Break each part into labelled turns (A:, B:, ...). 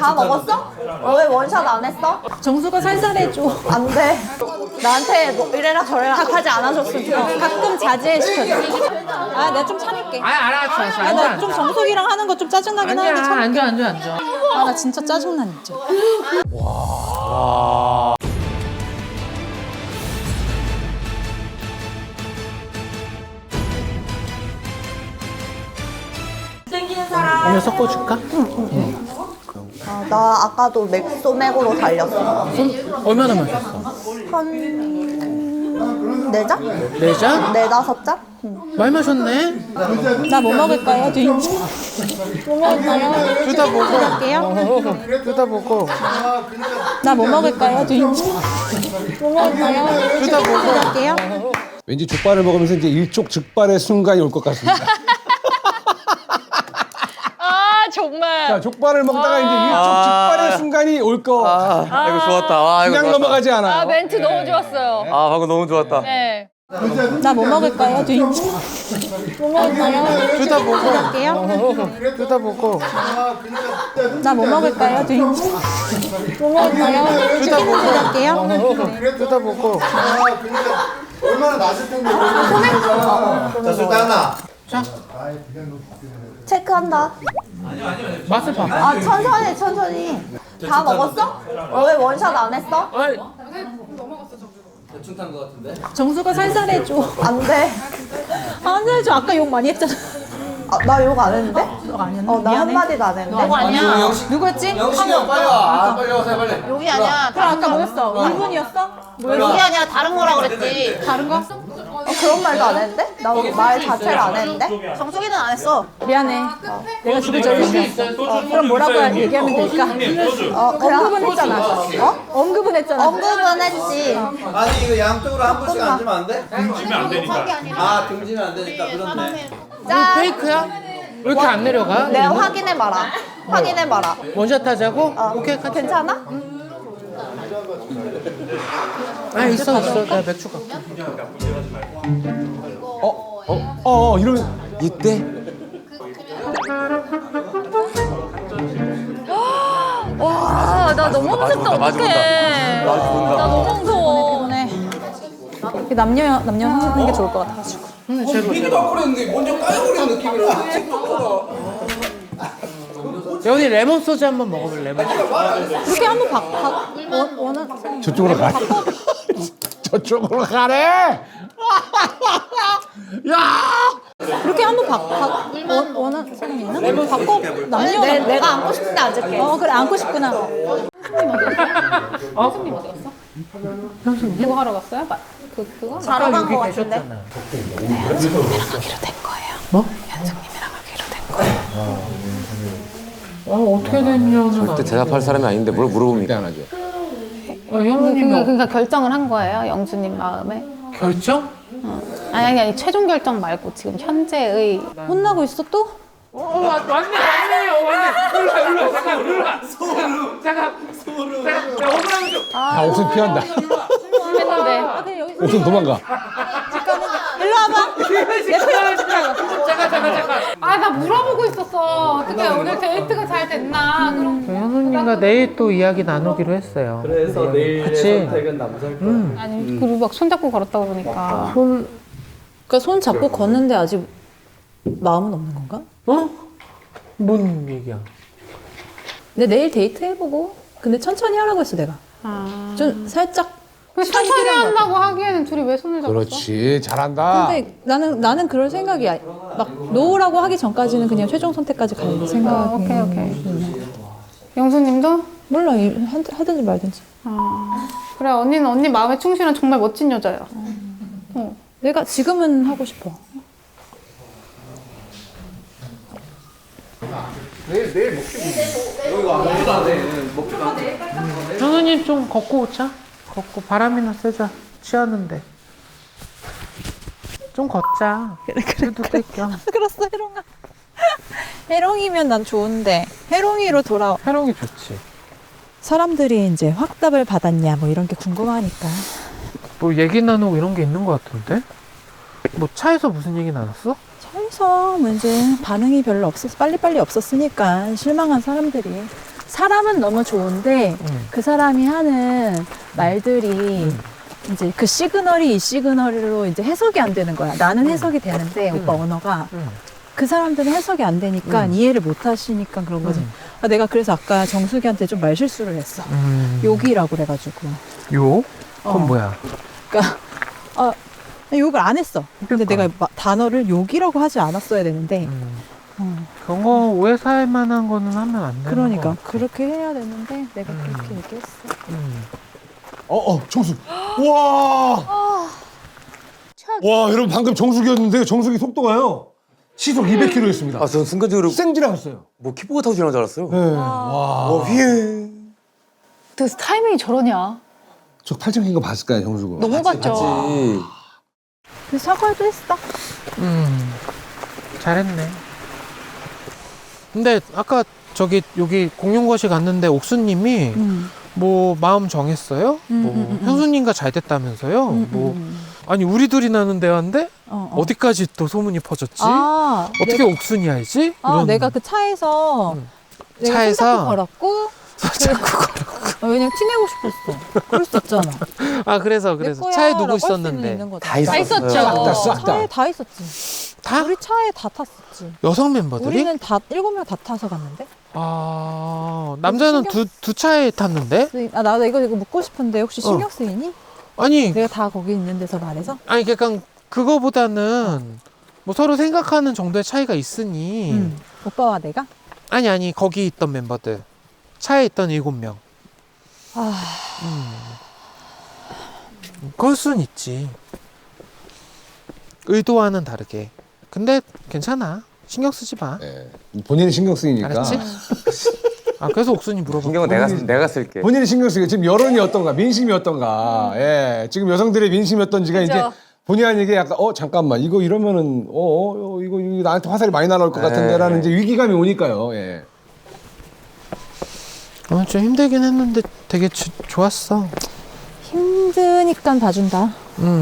A: 다 먹었어? 왜 원샷 안 했어?
B: 정수가 살살해줘.
A: 안 돼. 나한테 뭐 이래라 저래라 하지 않아줬으면 좋겠어.
B: 가끔 자제 시켜줘. 아, 내가 좀 참을게.
C: 알았어.
B: 아, 나 좀 정수기랑 하는 거 좀 짜증나긴 하는데 참을게.
C: 앉아.
B: 아, 나 진짜 짜증나, 진짜.
C: 오늘 섞어줄까?
A: 아, 나 아까도 맥소맥으로 달렸어.
C: 얼마나 마셨어?
A: 한 4잔?
C: 네 잔?
A: 4~5잔? 응.
C: 많이 마셨네?
B: 나 뭐 먹을까요, 주인님? 뭐 먹을까요?
C: 둘 다 먹어.
B: 할게요.
C: 둘 다 먹어.
B: 나 뭐 먹을까요, 주인님? 뭐 먹을까요?
C: 둘 다 먹어.
B: 할게요.
D: 왠지 족발을 먹으면서 이제 일촉즉발의 순간이 올 것 같습니다.
E: 아 정말.
D: 자, 족발을 먹다가 이제 일촉즉발의 순간이 올 거.
F: 이거 좋았다. 아, 이거
D: 그냥
F: 좋았다.
D: 넘어가지 않아요.
E: 아 멘트 너무 좋았어요.
F: 아, 방금 너무 좋았다.
E: 네.
B: 나 뭐 먹을까요, 주인님? 뭐 먹을까요?
C: 둘 다 먹어.
B: 할게요.
C: 둘 다 먹어.
B: 나 뭐 먹을까요, 주인님? 뭐 먹을까요?
C: 둘 다 먹어.
B: 할게요.
C: 둘 다 먹어.
G: 얼마나 맛을 텐데. 자, 술 따나.
A: 체크한다.
C: 맛을 봐.
A: 아, 천천히. 다 먹었어? 왜 원샷 안 했어?
B: 정수가 살살해줘.
A: 안 돼.
B: 안 살해줘. 아까 욕 많이 했잖아.
A: 아, 나 욕 안 했는데?
B: 욕 안 했나?
A: 나
B: 미안해.
A: 한마디도 안 했는데?
B: 너가 아니야. 누구였지?
G: 영식이 형 빨리 와. 아, 빨리 와서 빨리.
E: 여기 아니야.
B: 그럼 아까 뭐였어? 울분이었어?
E: 여기 아니야. 다른 거라 그랬지.
B: 다른 거?
A: 그런 말도 안 했는데? 나 말 자체를 안 했는데?
E: 정수기는 안 했어.
B: 미안해. 내가 죽을 죄를 그럼 뭐라고 얘기하면 될까? 언급은 했잖아. 언급은 했잖아.
A: 언급은 했지.
G: 아니, 이거 양쪽으로 한 분씩 앉으면 안 돼? 등지면 안 되니까. 아, 등지면 안 되니까. 그렇네.
A: 짠.
C: 페이크야? 왜 이렇게 안 내려가?
A: 내가 확인해봐라. 확인해봐라.
C: 원샷 하자고? 오케이, 같이.
A: 괜찮아?
C: 아, 있어. 내가 맥주 갖고.
D: 이러면 이때
E: 와, 나 너무 무섭다. 어떡해. 나 너무 무서워.
B: 피곤해. 남녀 하는 게 좋을 것 같아가지고.
C: 여기 레몬 소주 한번 먹어볼래? 레몬 소주.
B: 그렇게 한번 원한
D: 저쪽으로 가래. 저쪽으로 가래. 야!
B: 그렇게 한번 원한 사람 있나? 바꿔 남녀.
A: 내가 안고 싶은데 앉을게.
B: 그래 안고 싶구나. 현수님 어디 갔어? 현수님 그거 하러 갔어요? 그거?
A: 자러 간 거 같은데?
B: 현숙님이랑 하기로 된 거예요.
C: 뭐?
B: 현숙님이랑 하기로 된 거예요.
C: 어떻게 됐냐는
F: 절대 대답할 사람이 아닌데 뭘 물어봅니까?
D: 안 하죠.
C: 현우님이
H: 그러니까 결정을 한 거예요, 영수님 마음에.
C: 결정?
H: 아니 최종 결정 말고 지금 현재의
B: 혼나고 있어 또?
C: 왔네. 일로 와. 잠깐. 억울하면 좀.
D: 다 옥순 피한다.
H: 했는데
D: 옥순 도망가.
B: 일로 와봐.
C: 잠깐.
H: 아 나 물어보고 있었어. 어떻게 오늘 데이트가 잘 됐나? 그럼
C: 현우님과 내일 또 이야기 나누기로 했어요.
F: 그래서 내일의
C: 그치?
F: 선택은 남자일 거야.
H: 아니 그리고 막 손잡고 걸었다 그러니까
B: 그러니까 손 잡고 걷는데 아직 마음은 없는 건가?
C: 뭔 얘기야?
B: 근데 내일 데이트 해보고. 근데 천천히 하라고 했어 내가. 좀 살짝.
H: 그 천천히 한다고 하기에는 둘이 왜 손을 잡았어?
D: 그렇지. 잘한다.
B: 근데 나는 그럴 생각이야. 막 노라고 하기 전까지는 그냥 최종 선택까지 갈 생각.
H: 오케이. 영수님도?
B: 몰라 하든지 말든지.
H: 그래 언니는 언니 마음에 충실한 정말 멋진 여자야.
B: 내가 지금은 하고 싶어.
G: 내일 여기가 먹지도 않네. 먹지도 않네.
C: 현우님 좀 걷고 오자. 걷고 바람이나 쐬자. 취하는데. 좀 걷자. 그래.
B: 그렇어 해롱아. 해롱이면 난 좋은데 해롱이로 돌아와.
C: 해롱이 좋지.
B: 사람들이 이제 확답을 받았냐 뭐 이런 게 궁금하니까.
C: 뭐 얘기 나누고 이런 게 있는 것 같은데? 뭐 차에서 무슨 얘기 나눴어?
B: 차에서 뭐 이제 반응이 별로 없었어. 빨리빨리 없었으니까 실망한 사람들이 사람은 너무 좋은데 그 사람이 하는 말들이 이제 그 시그널이 이 시그널로 이제 해석이 안 되는 거야. 나는 해석이 되는데 오빠 언어가 그 사람들은 해석이 안 되니까 이해를 못 하시니까 그런 거지. 아, 내가 그래서 아까 정수기한테 좀 말 실수를 했어. 욕이라고 그래가지고.
C: 요? 그건
B: 어.
C: 뭐야?
B: 그러니까 욕을 안 했어. 근데
C: 그러니까.
B: 내가 단어를 욕이라고 하지 않았어야 되는데.
C: 그런 거 오해 살 만한 거는 하면 안 되는
B: 그러니까
C: 거 같아.
B: 그렇게 해야 되는데 내가 그렇게 얘기했어.
D: 정수. 와. 와, 여러분 방금 정수기였는데 정수기 속도가요. 시속 200km였습니다.
F: 아, 전 순간적으로
D: 생 지나갔어요.
F: 뭐 키보드 타고 지나간 줄 알았어요.
D: 네. 와.
F: 휘에.
E: 그 타이밍이 저러냐.
D: 저 팔짱 낀거 봤을까요, 정수가?
E: 너무 봤죠.
F: 같이.
B: 그래서 사과도 했어.
C: 잘했네. 근데 아까 여기 공용거실 갔는데 옥수님이 뭐 마음 정했어요? 뭐 현수님과 잘 됐다면서요? 뭐 아니 우리 둘이 나눈 대화인데 어디까지 또 소문이 퍼졌지?
B: 아,
C: 어떻게 옥순이 알지? 이런.
B: 내가 그 차에서 내가
C: 차에서?
B: 손잡고 걸었고
C: 자꾸 걸어.
B: 왜냐면 티내고 싶었어. 그럴 수 있잖아.
C: 아 그래서
B: 내 거야
C: 차에 누구
B: 라고 할 수는
C: 있었는데?
B: 있는 거다.
F: 다 있었어요.
E: 있었죠.
B: 차에 다 있었지.
C: 다?
B: 우리 차에 다 탔었지.
C: 여성 멤버들이?
B: 우리는 다 7명 다 타서 갔는데.
C: 아 남자는
B: 신경
C: 두 차에 탔는데?
B: 나도 이거 묻고 싶은데 혹시 신경 쓰이니?
C: 아니
B: 내가 다 거기 있는 데서 말해서?
C: 아니 그러니까 그거보다는 뭐 서로 생각하는 정도의 차이가 있으니
B: 오빠와 내가?
C: 아니 거기 있던 멤버들 차에 있던 7명 그럴 순 있지 의도와는 다르게 근데 괜찮아 신경 쓰지 마
D: 네. 본인이 신경 쓰이니까.
C: 알았지? 아 그래서 옥순이 물어봐
F: 신경은 내가 쓸게.
D: 본인이 신경 쓰이니까 지금 여론이 어떤가, 민심이 어떤가. 예. 지금 여성들의 민심이 어떤지가 이제 본의 아니게 약간 잠깐만 이거 이러면은 이거 나한테 화살이 많이 날아올 것 같은데라는 이제 위기감이 오니까요. 예.
C: 좀 힘들긴 했는데 되게 좋았어
B: 힘드니까 봐준다.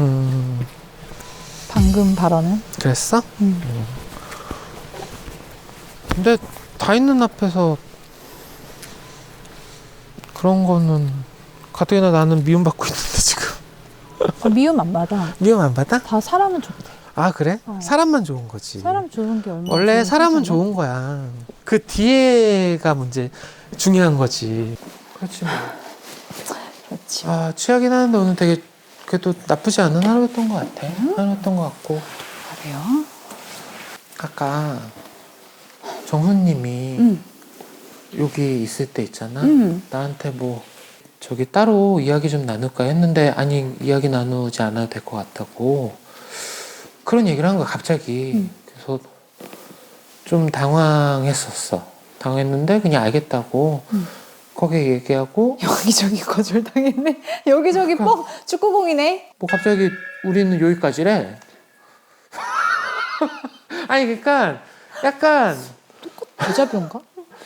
B: 방금 발언은.
C: 그랬어? 근데 다 있는 앞에서 그런 거는 가뜩이나 나는 미움받고 있는데 지금
B: 미움 안 받아.
C: 미움 안 받아?
B: 다 사람은 좋대.
C: 아 그래? 사람만 좋은 거지
B: 사람 좋은 게 얼마나
C: 원래
B: 좋은
C: 사람은
B: 거잖아.
C: 좋은 거야 그 뒤에가 문제 중요한 거지 그렇지 뭐.
B: 그렇지.
C: 아 취하긴 하는데 오늘 되게 그래도 나쁘지 않은 하루였던 것 같아 하루였던 것 같고
B: 그래요?
C: 아까 정수님이 여기 있을 때 있잖아 나한테 뭐 저기 따로 이야기 좀 나눌까 했는데 아니 이야기 나누지 않아도 될 것 같다고 그런 얘기를 한 거야 갑자기 그래서 좀 당황했었어 당했는데 그냥 알겠다고 거기에 얘기하고
B: 여기저기 거절당했네. 여기저기 뻑 축구공이네.
C: 뭐 갑자기 우리는 여기까지래 아니 그러니까 약간
B: 대자뷰인가?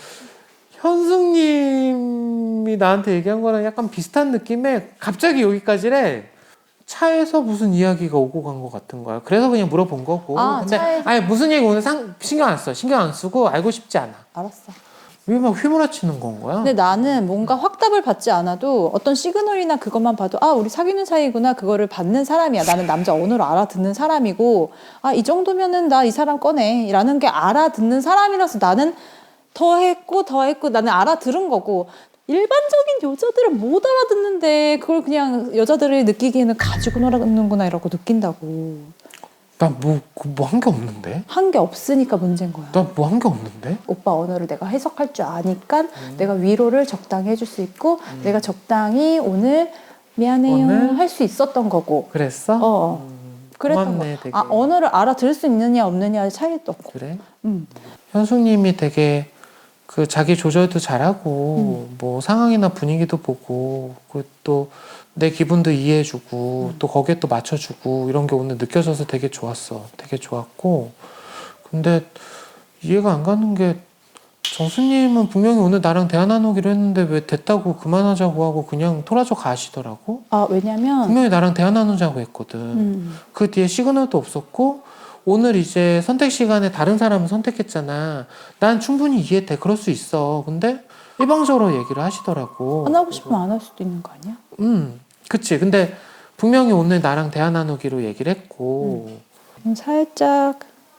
C: 현숙님이 나한테 얘기한 거랑 약간 비슷한 느낌에 갑자기 여기까지래 차에서 무슨 이야기가 오고 간 것 같은 거야 그래서 그냥 물어본 거고 근데 아니 무슨 얘기 오늘 신경 안 써 신경 안 쓰고 알고 싶지 않아
B: 알았어.
C: 왜 막 휘몰아치는 건 거야
B: 근데 나는 뭔가 확답을 받지 않아도 어떤 시그널이나 그것만 봐도 우리 사귀는 사이구나 그거를 받는 사람이야. 나는 남자 언어를 알아듣는 사람이고 이 정도면은 나 이 사람 꺼내 라는 게 알아듣는 사람이라서 나는 더 했고 나는 알아들은 거고 일반적인 여자들은 못 알아듣는데 그걸 그냥 여자들이 느끼기에는 가지고 놀았는구나 이러고 느낀다고.
C: 나 뭐 한 게 없는데
B: 한 게 없으니까 문제인 거야.
C: 나 뭐 한 게 없는데
B: 오빠 언어를 내가 해석할 줄 아니까 내가 위로를 적당히 해줄 수 있고 내가 적당히 오늘 미안해요
C: 오늘?
B: 할 수 있었던 거고.
C: 그랬어?
B: 그랬던
C: 고맙네,
B: 거.
C: 되게.
B: 언어를 알아들을 수 있느냐 없느냐의 차이도 없고.
C: 그래?
B: 음.
C: 현숙님이 되게 그 자기 조절도 잘하고 뭐 상황이나 분위기도 보고 그 또 내 기분도 이해해주고 또 거기에 또 맞춰주고 이런 게 오늘 느껴져서 되게 좋았어. 되게 좋았고 근데 이해가 안 가는 게 정수님은 분명히 오늘 나랑 대화 나누기로 했는데 왜 됐다고 그만하자고 하고 그냥 토라져 가시더라고.
B: 왜냐면
C: 분명히 나랑 대화 나누자고 했거든. 그 뒤에 시그널도 없었고 오늘 이제 선택 시간에 다른 사람을 선택했잖아. 난 충분히 이해돼. 그럴 수 있어. 근데 일방적으로 얘기를 하시더라고.
B: 안 하고 싶으면 안 할 수도 있는 거 아니야?
C: 그치. 근데 분명히 오늘 나랑 대화 나누기로 얘기를 했고,
B: 살짝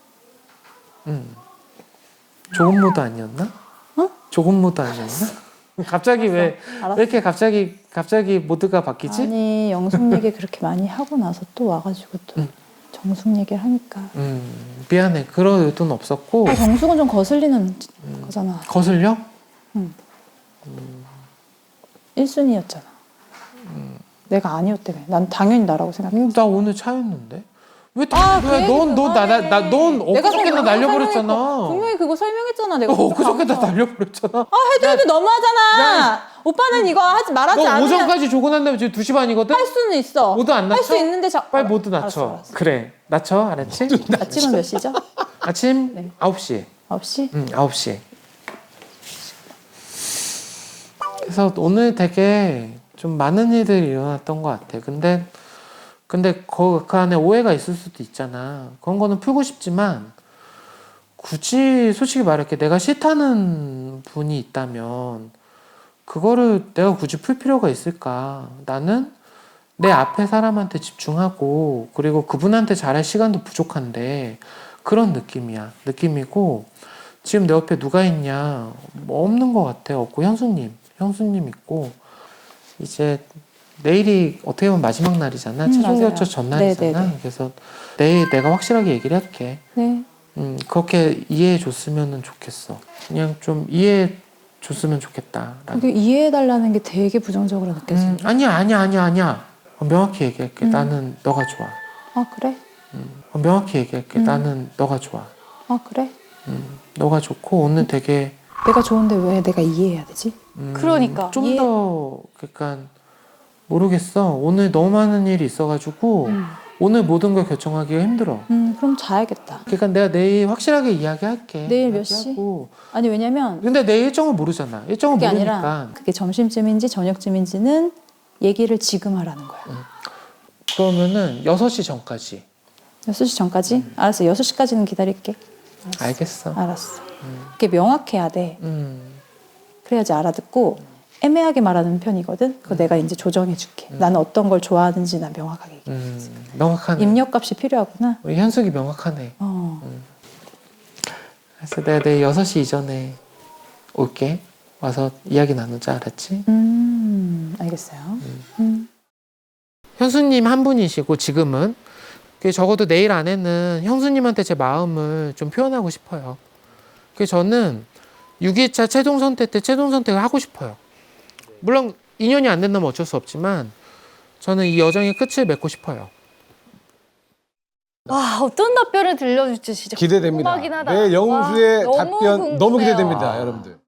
C: 조금 모드 아니었나?
B: 어?
C: 조금 모드 아니었나? 갑자기 왜
B: 알았어.
C: 이렇게 갑자기 모드가 바뀌지?
B: 아니 영숙 얘기 그렇게 많이 하고 나서 또 와가지고 또 정숙 얘기를 하니까
C: 미안해. 그런 의도는 없었고.
B: 정숙은 좀 거슬리는 거잖아.
C: 거슬려?
B: 1순위였잖아. 내가 아니었다며. 난 당연히 나라고 생각해.
C: 나 오늘 차였는데. 왜
B: 아, 그 얘기
C: 넌
B: 그만해.
C: 엊그저께나 날려버렸잖아.
B: 분명히 그거 설명했잖아. 내가
C: 엊그저께나 날려버렸잖아.
B: 해도 너무하잖아. 오빠는 이거 말하지
C: 너
B: 않으면
C: 오전까지 조고 난 다음에 지금 2시 반이거든?
B: 할 수는 있어.
C: 모두 안 낮춰?
B: 할 수 있는데
C: 빨리 모두 낮춰.
B: 알았어.
C: 그래. 낮춰. 알았지?
B: 아침은 몇 시죠?
C: 아침
B: 네.
C: 9시.
B: 9시?
C: 9시. 그래서 오늘 되게 좀 많은 일들이 일어났던 것 같아. 근데 그 안에 오해가 있을 수도 있잖아. 그런 거는 풀고 싶지만 굳이 솔직히 말할게. 내가 싫다는 분이 있다면 그거를 내가 굳이 풀 필요가 있을까? 나는 내 앞에 사람한테 집중하고 그리고 그분한테 잘할 시간도 부족한데 그런 느낌이고 지금 내 옆에 누가 있냐? 뭐 없는 것 같아. 없고 형수님 있고 이제 내일이 어떻게 보면 마지막 날이잖아. 최종
B: 맞아요.
C: 결정 전날이잖아.
B: 네네네.
C: 그래서 내일 내가 확실하게 얘기를 할게.
B: 네.
C: 그렇게 이해해 줬으면 좋겠어. 그냥 좀 이해해 줬으면 좋겠다.
B: 그게 이해해달라는 게 되게 부정적으로 느껴져.
C: 아니야. 명확히 얘기할게. 나는 너가 좋아.
B: 아 그래?
C: 명확히 얘기할게. 나는 너가 좋아.
B: 아 그래?
C: 너가 좋고 오늘 되게
B: 내가 좋은데 왜 내가 이해해야 되지?
E: 그러니까.
C: 좀 더 그러니까 모르겠어. 오늘 너무 많은 일이 있어가지고 오늘 모든 걸 결정하기가 힘들어.
B: 그럼 자야겠다.
C: 그러니까 내가 내일 확실하게 이야기할게.
B: 내일 몇 시?
C: 이야기하고.
B: 아니 왜냐면
C: 근데 내 일정을 모르잖아. 일정을
B: 그게
C: 모르니까.
B: 아니라 그게 점심쯤인지 저녁쯤인지는 얘기를 지금 하라는 거야.
C: 그러면은 6시 전까지.
B: 6시 전까지? 알았어. 6시까지는 기다릴게.
C: 알겠어.
B: 알았어. 그게 명확해야 돼. 그래야지 알아듣고 애매하게 말하는 편이거든. 그거 내가 이제 조정해 줄게. 나는 어떤 걸 좋아하는지 난 명확하게 얘기해.
C: 명확하네.
B: 입력값이 필요하구나.
C: 우리 현숙이 명확하네. 그래서 내가 내일 6시 이전에 올게. 와서 이야기 나누자. 알았지?
B: 알겠어요.
C: 현수님 한 분이시고 지금은 적어도 내일 안에는 형수님한테 제 마음을 좀 표현하고 싶어요. 그래서 저는 6일차 최종 선택 때 최종 선택을 하고 싶어요. 물론 인연이 안 된다면 어쩔 수 없지만 저는 이 여정의 끝을 맺고 싶어요.
E: 와, 어떤 답변을 들려줄지 진짜
D: 기대됩니다.
E: 궁금하긴 하다.
D: 내 영수의
E: 와,
D: 답변 너무
E: 궁금해요.
D: 기대됩니다, 여러분들.